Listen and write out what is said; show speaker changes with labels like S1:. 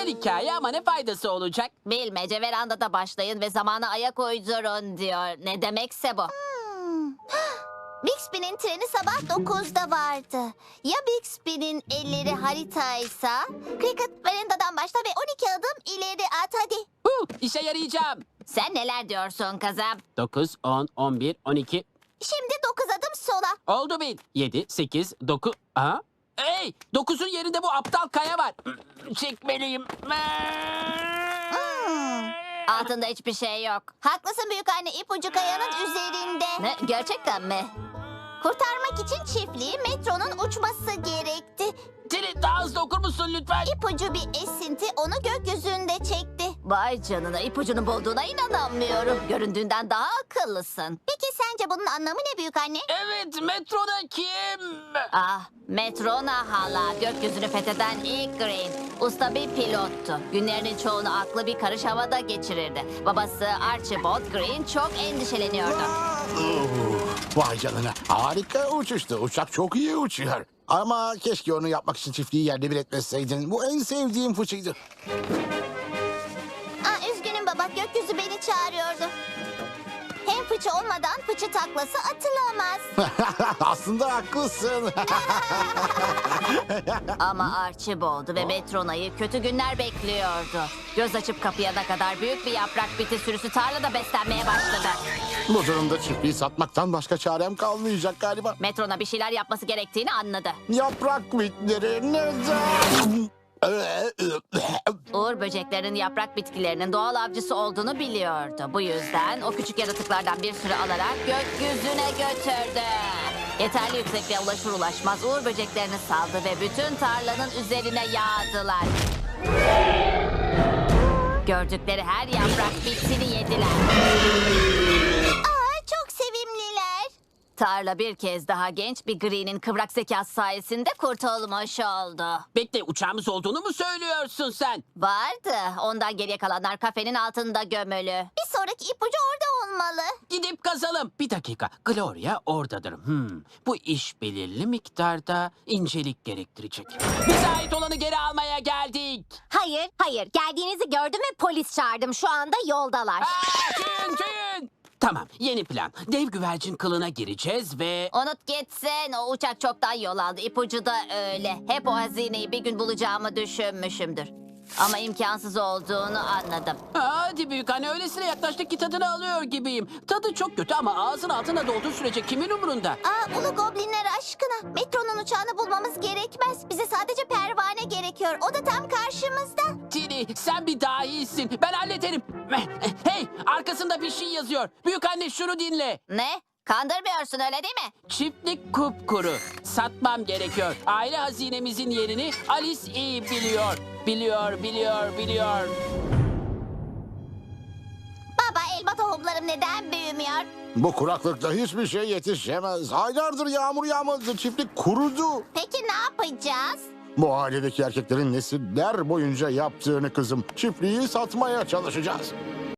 S1: hikaye ama ne faydası olacak?
S2: Bilmece verandada başlayın ve zamana ayak uydurun diyor. Ne demekse bu.
S3: Bixby'nin treni sabah 9'da vardı. Ya Bixby'nin elleri haritaysa? Cricket verandadan başla ve 12 adım ileri at hadi.
S1: İşe yarayacağım.
S2: Sen neler diyorsun kızım?
S1: 9, 10, 11, 12.
S3: Şimdi 9 adım sola.
S1: Oldu bil. 7, 8, 9. Aha. Hey! 9'un yerinde bu aptal kaya var. Çekmeliyim.
S2: Altında hiçbir şey yok.
S3: Haklısın büyükanne, ipucu kayanın üzerinde.
S2: Ne? Gerçekten mi?
S3: Kurtarmak için çiftliği metronun uçması gerekti.
S1: Tili daha hızlı okur musun lütfen?
S3: İpucu bir esinti onu gökyüzünde çekti.
S2: Vay canına, ipucunu bulduğuna inanamıyorum. Göründüğünden daha akıllısın.
S3: Peki sence bunun anlamı ne büyükanne?
S1: Evet, metroda kim?
S2: Ah, Metrona hala, gökyüzünü fetheden ilk Green. Usta bir pilottu. Günlerinin çoğunu aklı bir karış havada geçirirdi. Babası Archibald Green çok endişeleniyordu.
S4: Vay canına. Harika uçuştu. Uçak çok iyi uçuyor. Ama keşke onu yapmak için çiftliği yerle bir etmeseydin. Bu en sevdiğim fıçıydı.
S3: Üzgünüm baba, gökyüzü beni çağırıyordu. Hem fıçı olmadan fıçı taklası atılamaz.
S4: Aslında haklısın.
S2: Ama Archibald'u ve Metrona'yı kötü günler bekliyordu. Göz açıp kapayana kadar büyük bir yaprak biti sürüsü tarlada beslenmeye başladı.
S4: Bu durumda çiftliği satmaktan başka çarem kalmayacak galiba.
S2: Metrona bir şeyler yapması gerektiğini anladı.
S4: Yaprak bitleri neden?
S2: Uğur böceklerinin yaprak bitkilerinin doğal avcısı olduğunu biliyordu. Bu yüzden o küçük yaratıklardan bir sürü alarak gökyüzüne götürdü. Yeterli yüksekliğe ulaşır ulaşmaz uğur böceklerini saldı ve bütün tarlanın üzerine yağdılar. Gördükleri her yaprak bitkini yediler.
S3: Çok sevimliler.
S2: Tarla bir kez daha genç bir Green'in kıvrak zekası sayesinde kurtulmuş oldu.
S1: Bekle, uçağımız olduğunu mu söylüyorsun sen?
S2: Vardı. Ondan geriye kalanlar kafenin altında gömülü.
S3: Bir sonraki ipucu orada olmalı.
S1: Gidip kazalım. Bir dakika. Gloria oradadır. Bu iş belirli miktarda incelik gerektirecek. Bize ait olanı geri almaya geldik.
S3: Hayır. Geldiğinizi gördüm ve polis çağırdım. Şu anda yoldalar.
S1: Tüyün! Tamam, yeni plan. Dev güvercin kılına gireceğiz ve...
S2: Unut gitsin. O uçak çoktan yol aldı. İpucu da öyle. Hep o hazineyi bir gün bulacağımı düşünmüşümdür. Ama imkansız olduğunu anladım.
S1: Hadi büyük anne, öylesine yaklaştık ki tadını alıyor gibiyim. Tadı çok kötü ama ağzın altına dolduğu sürece kimin umurunda?
S3: Ulu goblinler aşkına. Metronun uçağını bulmamız gerekmez. Bize sadece pervane gerekiyor. O da tam karşımızda.
S1: Tini, sen bir dahisin. Ben hallederim. Hey, arkasında bir şey yazıyor. Büyük anne, şunu dinle.
S2: Ne? Kandırmıyorsun öyle değil mi?
S1: Çiftlik kupkuru. Satmam gerekiyor. Aile hazinemizin yerini Alice iyi biliyor. Biliyor.
S3: Baba, elma tohumlarım neden büyümüyor?
S4: Bu kuraklıkta hiçbir şey yetişemez. Aylardır yağmur yağmadı. Çiftlik kurudu.
S3: Peki ne yapacağız?
S4: Bu ailedeki erkeklerin nesiller boyunca yaptığını kızım. Çiftliği satmaya çalışacağız.